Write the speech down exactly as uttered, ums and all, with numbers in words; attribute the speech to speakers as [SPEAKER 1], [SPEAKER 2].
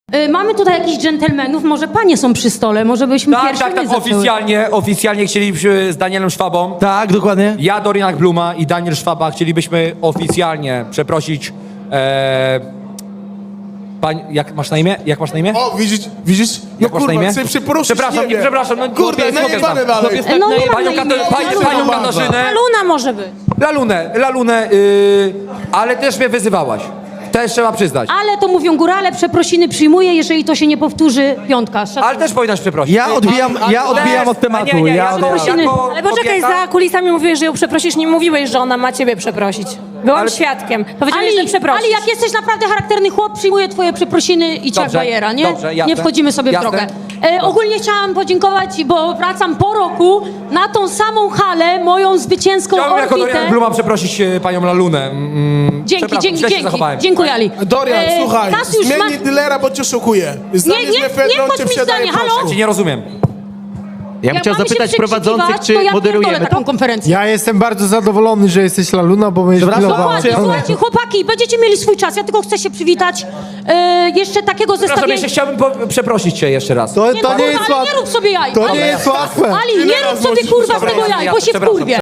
[SPEAKER 1] Y, mamy tutaj jakichś dżentelmenów, może panie są przy stole, może byśmy
[SPEAKER 2] Tak,
[SPEAKER 1] pierwsi
[SPEAKER 2] tak, tak,
[SPEAKER 1] zaczęły.
[SPEAKER 2] oficjalnie, oficjalnie chcielibyśmy z Danielem Szwabą,
[SPEAKER 3] Tak, dokładnie.
[SPEAKER 2] ja, Dorian Bluma i Daniel Szwaba chcielibyśmy oficjalnie przeprosić e, pań, jak masz na imię? Jak masz na imię?
[SPEAKER 4] O, widzisz, widzisz? No
[SPEAKER 2] Jak masz na
[SPEAKER 4] kurwa,
[SPEAKER 2] imię?
[SPEAKER 4] chcę przeprosić,
[SPEAKER 2] Przepraszam,
[SPEAKER 4] nie wiem.
[SPEAKER 2] przepraszam, no
[SPEAKER 4] Kurde,
[SPEAKER 2] chłopiec, chłopiec
[SPEAKER 4] najebane
[SPEAKER 2] tam.
[SPEAKER 4] dalej.
[SPEAKER 1] No nie mam
[SPEAKER 2] Panią,
[SPEAKER 1] na
[SPEAKER 2] Kato,
[SPEAKER 1] imię,
[SPEAKER 2] panią,
[SPEAKER 1] Laluna.
[SPEAKER 2] panią Katarzynę,
[SPEAKER 1] Luna może być.
[SPEAKER 2] Lalunę, Lalunę, yy, ale też mnie wyzywałaś. Też trzeba przyznać.
[SPEAKER 1] Ale to mówią górale, przeprosiny przyjmuję, jeżeli to się nie powtórzy, piątka. Szacunek.
[SPEAKER 2] Ale też powinnaś przeprosić.
[SPEAKER 3] Ja odbijam, ja odbijam od tematu.
[SPEAKER 2] Nie, nie,
[SPEAKER 3] Ja
[SPEAKER 2] jako,
[SPEAKER 1] Przeprosiny.
[SPEAKER 2] jako
[SPEAKER 5] Ale poczekaj,
[SPEAKER 2] kobieta-
[SPEAKER 5] za kulisami mówiłeś, że ją przeprosisz, nie mówiłeś, że ona ma ciebie przeprosić. Byłam
[SPEAKER 2] Ale-
[SPEAKER 5] świadkiem. Powiedziałeś, że
[SPEAKER 1] Ali,
[SPEAKER 5] przeprosisz.
[SPEAKER 1] Ali, jak jesteś naprawdę charakterny chłop, przyjmuję twoje przeprosiny i ciach
[SPEAKER 2] Dobrze,
[SPEAKER 1] bajera, nie?
[SPEAKER 2] dobrze, jasne.
[SPEAKER 1] Nie wchodzimy sobie
[SPEAKER 2] Jasne.
[SPEAKER 1] w drogę. E, ogólnie chciałam podziękować, bo wracam po roku na tą samą halę, moją zwycięską
[SPEAKER 2] Chciałbym jako
[SPEAKER 1] orbitę.
[SPEAKER 2] Dorian Bluma przeprosić e, panią Lalunę. Mm,
[SPEAKER 1] Dzięki,
[SPEAKER 2] przepraszam,
[SPEAKER 1] dzięki,
[SPEAKER 2] źle się
[SPEAKER 1] dzięki.
[SPEAKER 2] zachowałem.
[SPEAKER 1] Dziękuję, Ali.
[SPEAKER 4] Dorian,
[SPEAKER 1] E,
[SPEAKER 4] słuchaj,
[SPEAKER 1] Kasiusz, ma...
[SPEAKER 4] zmieni dylera, bo cię szokuje. Zdanie
[SPEAKER 1] Nie, nie,
[SPEAKER 4] z mefedrą
[SPEAKER 1] nie wchodź
[SPEAKER 4] cię
[SPEAKER 1] mi
[SPEAKER 4] wsiadaje
[SPEAKER 1] zdanie, halo?
[SPEAKER 4] prosto.
[SPEAKER 2] Ja cię nie rozumiem.
[SPEAKER 6] Ja bym chciał
[SPEAKER 1] mamy się
[SPEAKER 6] zapytać prowadzących,
[SPEAKER 1] przekrzykiwać,
[SPEAKER 6] czy
[SPEAKER 1] to ja
[SPEAKER 6] moderujemy
[SPEAKER 1] pierdolę taką konferencję.
[SPEAKER 7] Ja jestem bardzo zadowolony, że jesteś Laluna, bo będziesz
[SPEAKER 3] Przepraszam,
[SPEAKER 7] pilnowała.
[SPEAKER 1] Dokładnie, słuchajcie, chłopaki, będziecie mieli swój czas. Ja tylko chcę się przywitać. E, jeszcze takiego
[SPEAKER 2] Przepraszam,
[SPEAKER 1] zestawienia.
[SPEAKER 2] jeszcze chciałbym po- przeprosić cię jeszcze raz.
[SPEAKER 7] To,
[SPEAKER 1] Nie,
[SPEAKER 7] to
[SPEAKER 1] no,
[SPEAKER 7] nie
[SPEAKER 1] kurwa,
[SPEAKER 7] jest
[SPEAKER 1] ale nie
[SPEAKER 7] łatwe.
[SPEAKER 1] rób sobie jaj.
[SPEAKER 7] To
[SPEAKER 1] Ali,
[SPEAKER 7] nie jest łatwe.
[SPEAKER 1] Ali, nie rób sobie kurwa z tego jaj, bo się
[SPEAKER 2] Przepraszam,
[SPEAKER 1] wkurwię.